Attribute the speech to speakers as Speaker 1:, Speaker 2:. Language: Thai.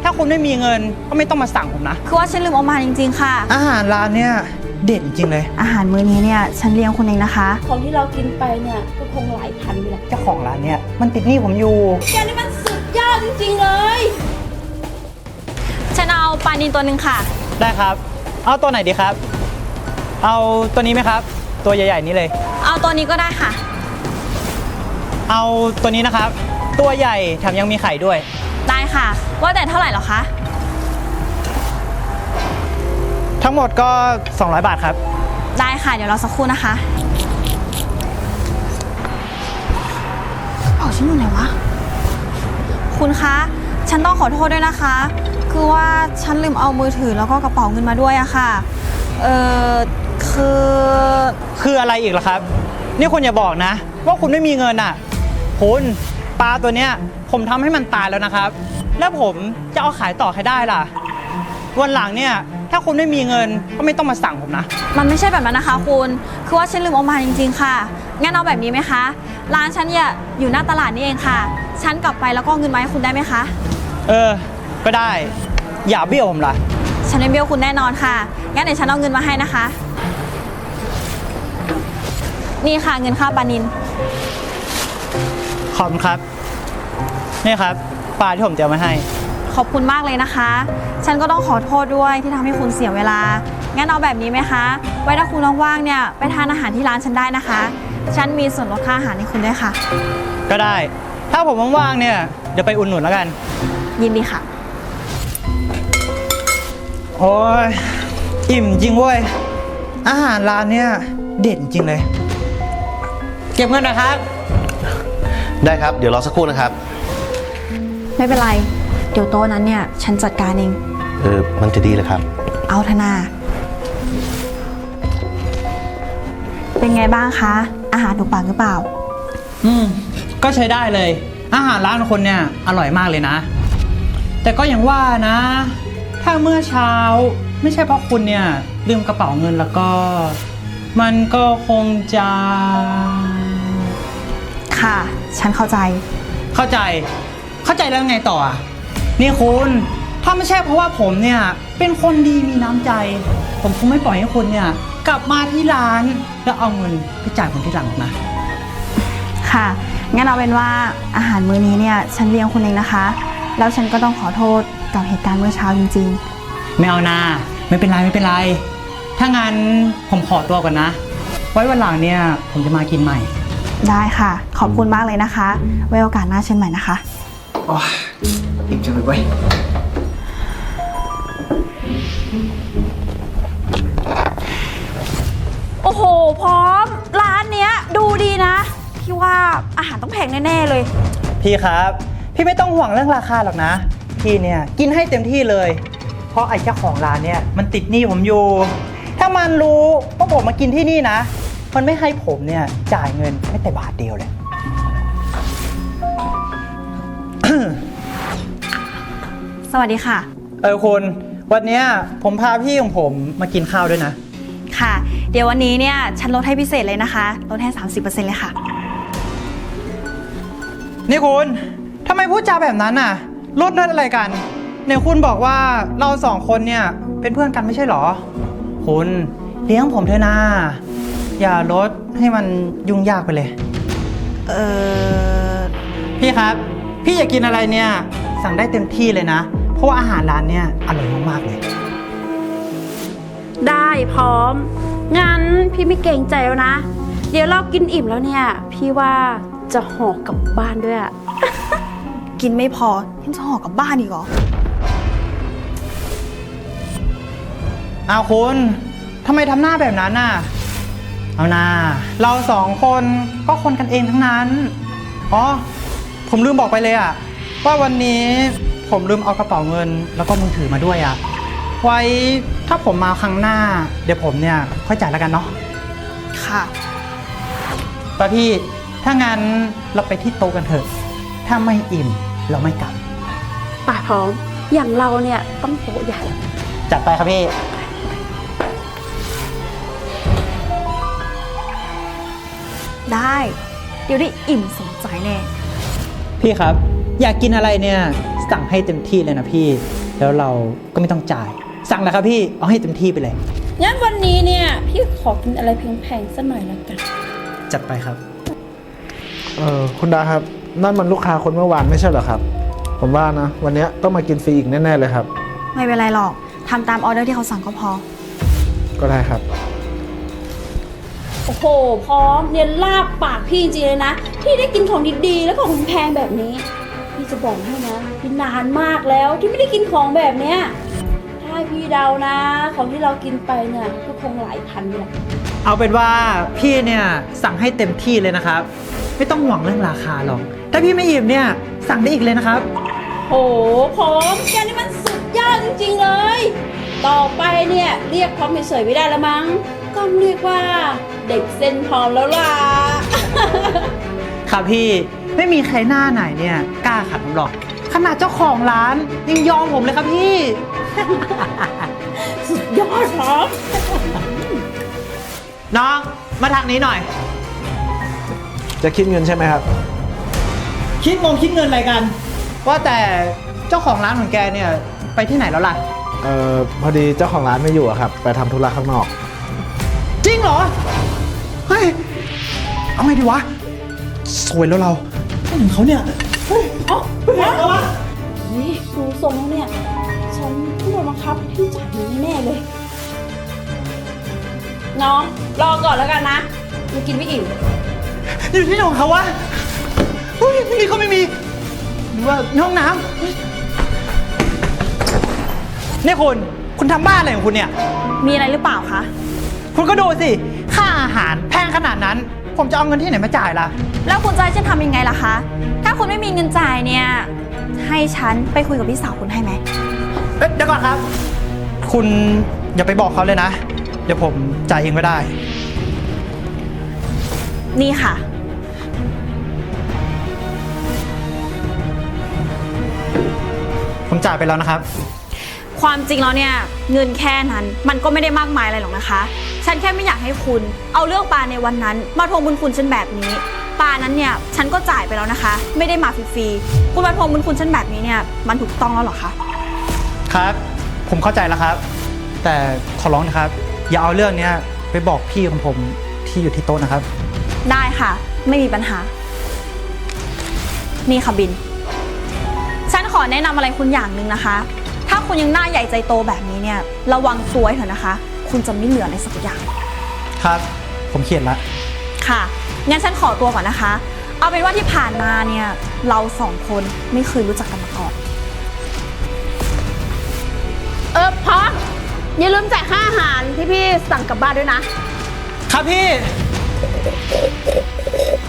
Speaker 1: าคุณไม่มีเงินก็ไม่ต้องมาสั่งผมนะ
Speaker 2: คือว่าฉันลืมเอามาจริงๆค่ะ
Speaker 1: อาหารร้านเนี่ยเด็ดจริงเลย
Speaker 2: อาหารมื้อนี้เนี่ยฉันเลี้ยงคุณเองนะคะ
Speaker 3: ของที่เรากินไปเนี่ยก็คงหลายพันอยู่แหละ
Speaker 1: เจ้าของร้านเนี่ยมันติดหนี้ผมอยู่
Speaker 3: แกนี่มันสุดยอดจริงๆเลย
Speaker 2: ฉันเอาปลานิลตัวหนึ่งค่ะ
Speaker 1: ได้ครับเอาตัวไหนดีครับเอาตัวนี้ไหมครับตัวใหญ่ๆนี้เลย
Speaker 2: เอาตัวนี้ก็ได้ค่ะ
Speaker 1: เอาตัวนี้นะครับตัวใหญ่แถมยังมีไข่ด้วย
Speaker 2: ได้ค่ะว่าแต่เท่าไหร่หรอคะ
Speaker 1: ทั้งหมดก็200 บาทครับ
Speaker 2: ได้ค่ะเดี๋ยวรอสักครู่นะคะเอาฉันอยู่ไหนวะคุณคะฉันต้องขอโทษด้วยนะคะคือว่าฉันลืมเอามือถือแล้วก็กระเป๋าเงินมาด้วยอะค่ะ
Speaker 1: คืออะไรอีกล่ะครับนี่คุณอย่าบอกนะว่าคุณไม่มีเงินอ่ะคุณปลาตัวเนี้ยผมทำให้มันตายแล้วนะครับแล้วผมจะเอาขายต่อให้ได้ล่ะวันหลังเนี่ยถ้าคุณไม่มีเงินก็ไม่ต้องมาสั่งผมนะ
Speaker 2: มันไม่ใช่แบบนั้นนะคะคุณคือว่าฉันลืมเอามาจริงๆค่ะงั้นเอาแบบนี้ไหมคะร้านฉันเนี่ยอยู่หน้าตลาดนี่เองค่ะฉันกลับไปแล้วก็เงินมาให้คุณได้ไหมคะ
Speaker 1: ก็ได้อย่าเบี้ยวผมล่ะ
Speaker 2: ฉันไม่เบี้ยวคุณแน่นอนค่ะงั้นเดี๋ยวฉันเอาเงินมาให้นะคะนี่ค่ะเงินค่าปลานิล
Speaker 1: ขอบคุณครับนี่ครับปลาที่ผมเตรียมมาให้
Speaker 2: ขอบคุณมากเลยนะคะฉันก็ต้องขอโทษด้วยที่ทำให้คุณเสียเวลางั้นเอาแบบนี้ไหมคะไว้ถ้าคุณว่างๆเนี่ยไปทานอาหารที่ร้านฉันได้นะคะฉันมีส่วนลดค่าอาหารให้คุณด้วยค่ะ
Speaker 1: ก็ได้ถ้าผมว่างๆเนี่ยเดี๋ยวไปอุ่นหนุนแล้วกัน
Speaker 2: ยินดีค่ะ
Speaker 1: โอ้ยอิ่มจริงเว้ยอาหารร้านเนี่ยเด็ดจริงเลยเก็บเงินนะครับ
Speaker 4: ได้ครับเดี๋ยวรอสักครู่นะครับ
Speaker 2: ไม่เป็นไรเดี๋ยวโต๊ะนั้นเนี่ยฉันจัดการเอง
Speaker 4: มันจะดีเลยครับ
Speaker 2: เอาธนาเป็นไงบ้างคะอาหารถูกปากหรือเปล่า
Speaker 1: ก็ใช้ได้เลยอาหารร้านคนเนี่ยอร่อยมากเลยนะแต่ก็อย่างว่านะถ้าเมื่อเช้าไม่ใช่เพราะคุณเนี่ยลืมกระเป๋าเงินแล้วก็มันก็คงจะ
Speaker 2: ค่ะฉันเข้าใจ
Speaker 1: แล้วไงต่อนี่คุณถ้าไม่ใช่เพราะว่าผมเนี่ยเป็นคนดีมีน้ำใจผมคงไม่ปล่อยให้คุณเนี่ยกลับมาที่ร้านแล้วเอาเงินไปจ่ายผมที่หลังนะ
Speaker 2: ค่ะงั้นเอาเป็นว่าอาหารมื้อนี้เนี่ยฉันเลี้ยงคุณเองนะคะแล้วฉันก็ต้องขอโทษกับเหตุการณ์เมื่อเช้าจริง
Speaker 1: ๆไม่เอานะไม่เป็นไรถ้างั้นผมขอตัวก่อนนะไว้วันหลังเนี่ยผมจะมากินใหม่
Speaker 2: ได้ค่ะขอบคุณมากเลยนะคะไว้โอกาสหน้าเชิญใหม่นะคะ
Speaker 1: โอ้ยอิ่มจังเลยเว้ย
Speaker 3: โอ้โหพร้อมร้านเนี้ยดูดีนะพี่ว่าอาหารต้องแพงแน่ๆเลย
Speaker 1: พี่ครับพี่ไม่ต้องห่วงเรื่องราคาหรอกนะพี่เนี่ยกินให้เต็มที่เลยเพราะไอ้เจ้าของร้านเนี่ยมันติดหนี้ผมอยู่ถ้ามันรู้ว่าผมมากินที่นี่นะมันไม่ให้ผมเนี่ยจ่ายเงินไม่แต่บาทเดียวเลย
Speaker 2: สวัสดีค่ะ
Speaker 1: คุณวันนี้ผมพาพี่ของผมมากินข้าวด้วยนะ
Speaker 2: ค่ะเดี๋ยววันนี้เนี่ยฉันลดให้พิเศษเลยนะคะลดให้ 30% เลยค่ะ
Speaker 1: นี่คุณทำไมพูดจาแบบนั้นน่ะลดอะไรกันเนี่ยคุณบอกว่าเราสองคนเนี่ยเป็นเพื่อนกันไม่ใช่หรอคุณเลี้ยงผมเถอะนะอย่าลดให้มันยุ่งยากไปเลยพี่ครับพี่อยากกินอะไรเนี่ยสั่งได้เต็มที่เลยนะเพราะว่าอาหารร้านเนี่ยอร่อยมากๆเลย
Speaker 3: ได้พร้อมงั้นพี่ไม่เกรงใจแล้วนะเดี๋ยวเรากินอิ่มแล้วเนี่ยพี่ว่าจะห่อกลับบ้านด้วย
Speaker 2: กินไม่พอยังจะห่อกลับบ้านอีกเหรอ
Speaker 1: เอาคุณทำไมทำหน้าแบบนั้นน่ะเอานะเราสองคนก็คนกันเองทั้งนั้นผมลืมบอกไปเลยว่าวันนี้ผมลืมเอากระเป๋าเงินแล้วก็มือถือมาด้วยไว้ถ้าผมมาครั้งหน้าเดี๋ยวผมเนี่ยค่อยจ่ายแล้วกันเนาะ
Speaker 2: ค่ะ
Speaker 1: ป้าพี่ถ้างั้นเราไปที่โต๊ะกันเถอะถ้าไม่อิ่มเราไม่กลับ
Speaker 3: ป่าพร้อมอย่างเราเนี่ยต้องโต๊ะใหญ่
Speaker 1: จัดไปครับพี่
Speaker 2: ได้เดี๋ยวได้อิ่มสมใจแน่
Speaker 1: พี่ครับอยากกินอะไรเนี่ยสั่งให้เต็มที่เลยนะพี่แล้วเราก็ไม่ต้องจ่าย สั่งแล้วครับพี่ เอาให้เต็มที่ไปเลย
Speaker 3: งั้นวันนี้เนี่ยพี่ขอกินอะไรแพงๆสักหน่อยละกัน
Speaker 1: จัดไปครับ
Speaker 5: คุณดาครับ นั่นมันลูกค้าคนเมื่อวานไม่ใช่เหรอครับ ผมว่านะ วันนี้ต้องมากินฟรีอีกแน่ๆเลยครับ
Speaker 2: ไม่เป็นไรหรอกทำตามออเดอร์ที่เขาสั่งก็พอ
Speaker 5: ก็ได้ครับ
Speaker 3: โอ้โห พร้อมเนี่ยลาบปากพี่จริงๆเลยนะ พี่ได้กินของดีๆ แล้วของแพงแบบนี้ พี่จะบอกให้นะพี่นานมากแล้วที่ไม่ได้กินของแบบเนี้ยถ้าให้พี่เดานะ ของที่เรากินไปเนี่ยก็คงหลายพันแหละ
Speaker 1: เอาเป็นว่าพี่เนี่ยสั่งให้เต็มที่เลยนะครับ ไม่ต้องห่วงเรื่องราคาหรอก ถ้าพี่ไม่อิ่มเนี่ยสั่งได้อีกเลยนะครับ
Speaker 3: โอ้โหพร้อมแกนี่มันสุดยอดจริงๆเลย ต่อไปเนี่ยเรียกพร้อมเฉยๆไม่ได้แล้วมั้งต้องเรียกว่าเด็กเส้นพร้อมแล้วล่ะ
Speaker 1: ครับพี่ไม่มีใครหน้าไหนเนี่ยกล้าขัดผมหรอก ขนาดเจ้าของร้านยังยอมผมเลยครับพี่
Speaker 3: สุดยอดพร้อม
Speaker 1: น้องมาทางนี้หน่อย
Speaker 5: จะคิดเงินใช่ไหมครับ
Speaker 1: คิดเงินอะไรกัน ว่าแต่เจ้าของร้านของแกเนี่ยไปที่ไหนแล้วล่ะ
Speaker 5: พอดีเจ้าของร้านไม่อยู่อะครับ ไปทำธุระข้างนอก
Speaker 1: จริงเหรอ เฮ้ย เอาไงดีวะ สวยแล้วเราไม่เห็นเขาเนี่ย เฮ้ย เอาไปไหนแล้ววะ
Speaker 3: นี่ดูทรงแล้วเนี่ย ฉันต้องโดนบังคับพี่จ่ายเงินแน่ๆเลยน้องรอก่อนแล้วกันนะยังกินไม่อิ่ม
Speaker 1: อยู่ที่ไหนของเขาวะเฮ้ยนี่เขาไม่มี หรือว่าในห้องน้ำนี่คุณทำบ้าอะไรของคุณเนี่ย
Speaker 2: มีอะไรหรือเปล่าคะ
Speaker 1: คุณก็ดูสิ ค่าอาหารแพงขนาดนั้น ผมจะเอาเงินที่ไหนมาจ่ายล่ะ
Speaker 2: แล้วคุณจะให้ฉันทำยังไงล่ะคะ ถ้าคุณไม่มีเงินจ่ายเนี่ย ให้ฉันไปคุยกับพี่สาวคุณให้ไหม
Speaker 1: เอ๊ะเดี๋ยวก่อนครับ คุณอย่าไปบอกเขาเลยนะ เดี๋ยวผมจ่ายเองก็ได้
Speaker 2: นี่ค่ะ
Speaker 1: ผมจ่ายไปแล้วนะครับ
Speaker 2: ความจริงแล้วเนี่ยเงินแค่นั้นมันก็ไม่ได้มากมายอะไรหรอกนะคะ ฉันแค่ไม่อยากให้คุณเอาเรื่องปลาในวันนั้นมาทวงบุญคุณฉันแบบนี้ปลานั้นเนี่ยฉันก็จ่ายไปแล้วนะคะ ไม่ได้มาฟรีๆคุณมาทวงบุญคุณฉันแบบนี้เนี่ยมันถูกต้องแล้วเหรอคะ
Speaker 1: ครับ ผมเข้าใจแล้วครับ แต่ขอร้องนะครับ อย่าเอาเรื่องเนี้ยไปบอกพี่ของผมที่อยู่ที่โต๊ะนะครับ
Speaker 2: ได้ค่ะ ไม่มีปัญหา นี่ค่ะบิน ฉันขอแนะนำอะไรคุณอย่างหนึ่งนะคะ ถ้าคุณยังหน้าใหญ่ใจโตแบบนี้เนี่ยระวังตัวให้เถอะนะคะ คุณจะไม่เหลืออะไรสักอย่าง
Speaker 1: ครับ ผมเขียนละ
Speaker 2: ค่ะงั้นฉันขอตัวก่อนนะคะ เอาเป็นว่าที่ผ่านมาเนี่ยเราสองคนไม่เคยรู้จักกันมาก่อน
Speaker 3: พร้อมอย่าลืมจ่ายค่าอาหารที่พี่สั่งกลับบ้านด้วยนะ
Speaker 1: ครับพี่